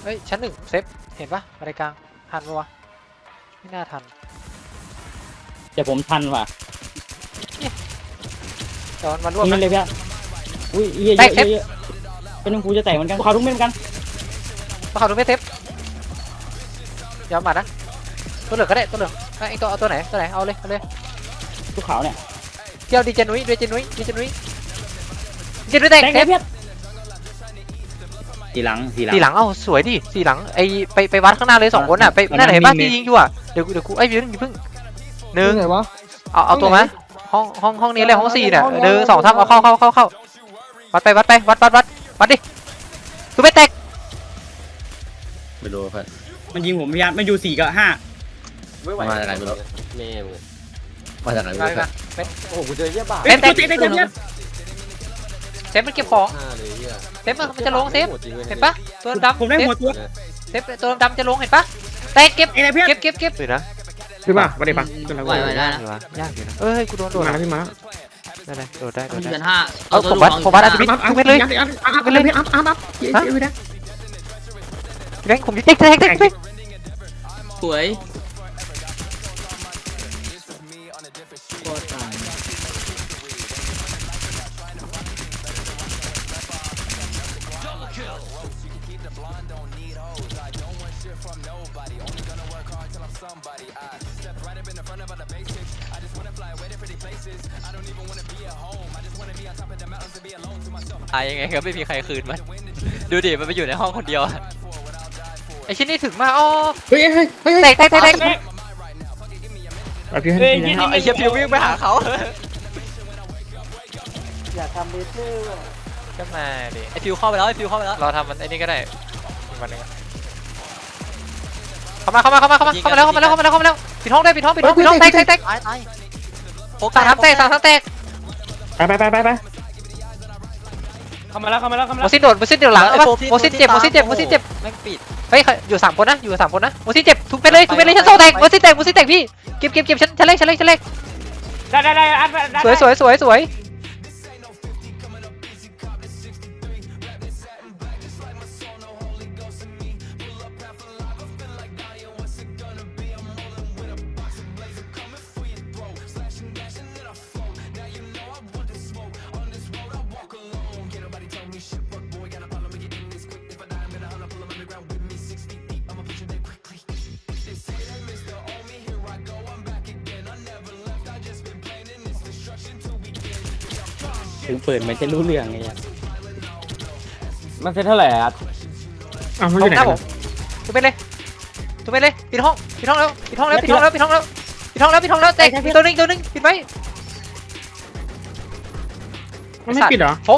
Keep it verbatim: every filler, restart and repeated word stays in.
ฮ้ยชั้นหนึ่งเซฟเห็นปะบันไดกลางทันปะวะไม่น่าทันแต่ผมทันว่ะเดี๋ยวมันมาร่วมนี่นะเลยพี่อุ้ยเยอะแตกเยเทปอะเยอะเป็นของกูจะแตกเหมือนกันเขาทุกเม็ดเหมือนกันมาเขาดูไม่เซฟยอมมานะตัวเหลืองก็ได้ตัวเหลืองไอ้ตัวเอาตัวไหนตัวไหนเอาเลยเอาเลยทุกขาวเนี่ยเที่ยวดีเจนุ้ยดีเจนุ้ยดีเจนุ้ยดีเจนุ้ยแตกแตกเซเลยฟพี่ทีหลังทีหลังสี่หลังเอ้าสวยดิสี่หลังไอไปไปวัดข้างหน้าเลยสองคนอ่ะไปนั่นไหนบ้านที่ยิงอยู่อ่ะเดี๋ยวเดี๋ยวกูไอ้ยืนอย่าเพิ่งหนึ่งไหนวะเอาเอาตัวมาห้องห้องห้องนี้เลยห้องสี่เนี่ยหนึ่งสองสามเอาเข้าเข้าเข้าเข้าวัดไปวัดไปวัดวัดวัดวัดดิตัวไม่แตกไม่รู้เพื่อนมันยิงผมพยายามมันอยู่สี่กับห้ามาจากไหนไม่รู้แม่มึงมาจากไหนไม่มารู้มาเพื่อนโอ้โหกูเจอเยี่ยบาทเฮ้ยตัวเตะเตะเตะเตะเซฟมันเก็บของห้าเลยเยี่ยเซฟมันจะลงเซฟเห็นปะตัวดำผมได้หัวตัวเซฟตัวดำจะลงเห็นปะแตกเก็บไอ้ไหนเพื่อนเก็บเก็บเก็บเลยนะพี่ป่ะมาดิป่ะจนเราไหวไหวได้นะยากอยู่นะเอ้ยกูโดนโดนมาแล้วพี่มาได้เลยโดนได้โดมันนเดืได้อนห้าเอาผมวัดผมวัดอันนี้อัพอัพทุกเม็ดเลยอัพอัพอัพอัพเลยอัพอัพอัพเย้เย้นะแบงค์ผมจะแตกแตกแตกแตกสวยโคตรตายตายยังไงก็ไม่มีใครคืนมันดูดิมันไปอยู่ในห้องคนเดียวไอชิ้นนี้ถึงมาอ๋อเฮ้ยเฮ้ยเฮ้ยแตกแตกแตกแตกพี่ให้เอาไอ้เชี่ยพิววิ่งไปหาเขาอย่าทำเลเซอร์ว่ะก็มาดิไอ้พิวเข้าไปแล้วไอ้พิวเข้าไปแล้วเราทำมันไอ้นี่ก็ได้อีกวันหนึงอะเข้ามาเข้ามาเข้ามาเข้ามาเข้ามาแล้วเข้ามาแล้วเข้ามาแล้วเข้ามาแล้วปิดห้องได้ปิดห้องปิดห้องปิดห้องแตกแตกแตกตายตายโฟสามทำแตกสามทำแตกไปไปไปไปไปเข้ามาแล้วเข้ามาแล้วเข้ามาโมแล้วซินโดดโมซินเดี๋ยวหลังเอาปะโมซินเจ็บโมซินเจ็บโมซินเจ็บแม่งปิดเฮ้ยอยู่สามคนนะอยู่สามคนนะโมซินเจ็บทุบไปเลยทุบไปเลยชั้นสองแตกโมซินแตกโมซินแตกพี่เก็บเก็บเก็บชั้นชั้นเล็กชั้นเล็กชั้นเล็กได้ได้ได้อัพได้สวยสวยสวยสวยถึงเปิดมันจะรู้เรื่องไงมันเซ็ตเท่าไหร่อ่ะอ้าวมันอเอายู่ไหหนน้าผมทุบไปเลยทุบไปเลยปิดห้องปิดห้องแล้วปิดห้องแล้วปิดห้องแล้วปิดห้องแล้วปิดห้องแล้วปิดห้องแล้วแตกตัวนึงตัวนึงปิดไว้มันไม่ปิดเหรอ